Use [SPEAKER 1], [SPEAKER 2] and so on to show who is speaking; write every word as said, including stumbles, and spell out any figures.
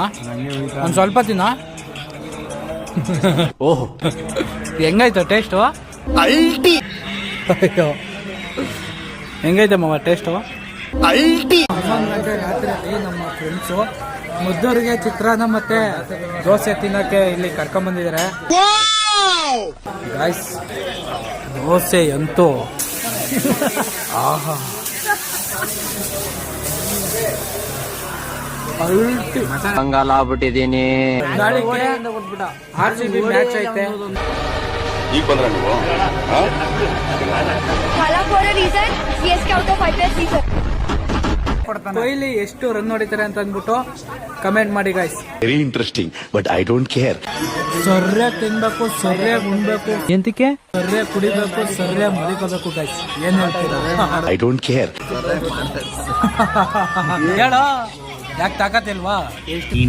[SPEAKER 1] ಒಂದು ಸ್ವಲ್ಪ ತಿನ್ನ. ಓಹ್ ಹೆಂಗಾಯ್ತು ಟೇಸ್ಟು? ಅಲ್ಟಿ. ಅಯ್ಯೋ ಹೆಂಗೈತೆ ಮಾವ ಟೇಸ್ಟು? ಅಲ್ಟಿ. ಹನ್ನೊಂದು ಗಂಟೆ ರಾತ್ರಿಯಲ್ಲಿ ನಮ್ಮ ಫ್ರೆಂಡ್ಸು ಮುದ್ದೂರಿಗೆ ಚಿತ್ರಾನ್ನ ಮತ್ತೆ ದೋಸೆ ತಿನ್ನೋಕ್ಕೆ ಇಲ್ಲಿ ಕರ್ಕೊಂಡ್ಬಂದಿದ್ದಾರೆ ಗಾಯ್ಸ್. ದೋಸೆ ಅಂತೂ ಆಹಾ
[SPEAKER 2] ಕಂಗಾಲ ಆಗ್ಬಿಟ್ಟಿದೀನಿ.
[SPEAKER 1] ನಾಳೆಗೆ ಆರ್ ಸಿ ಬಿ ಮ್ಯಾಚ್ ಐತೆ.
[SPEAKER 3] ಈಗ ಬಂದ್ರ ನೀವು
[SPEAKER 1] ಕೊಹ್ಲಿ ಎಷ್ಟು ರನ್ ಹೊಡಿತಾರೆ ಅಂತ ಅಂದ್ಬಿಟ್ಟು ಕಮೆಂಟ್ ಮಾಡಿ guys.
[SPEAKER 3] Very interesting but I don't care.
[SPEAKER 1] ಸೊರ್ರೆ ತಿನ್ಬೇಕು, ಸೊರ್ರೆ ಉಣ್ಬೇಕು, ಎಂತಕ್ಕೆ ಸೊರ್ರೆ ಕುಡಿಬೇಕು, ಸೊರ್ರೆ ಮಲಿಕೋಬೇಕು ಗಾಯ್ಸ್. ಏನ್ ಹೇಳ್ತೀರಾ?
[SPEAKER 3] I don't care.
[SPEAKER 1] ಹೇಳೋ ಯಾಕೆ ತಾಕತ್ತಿಲ್ವಾ?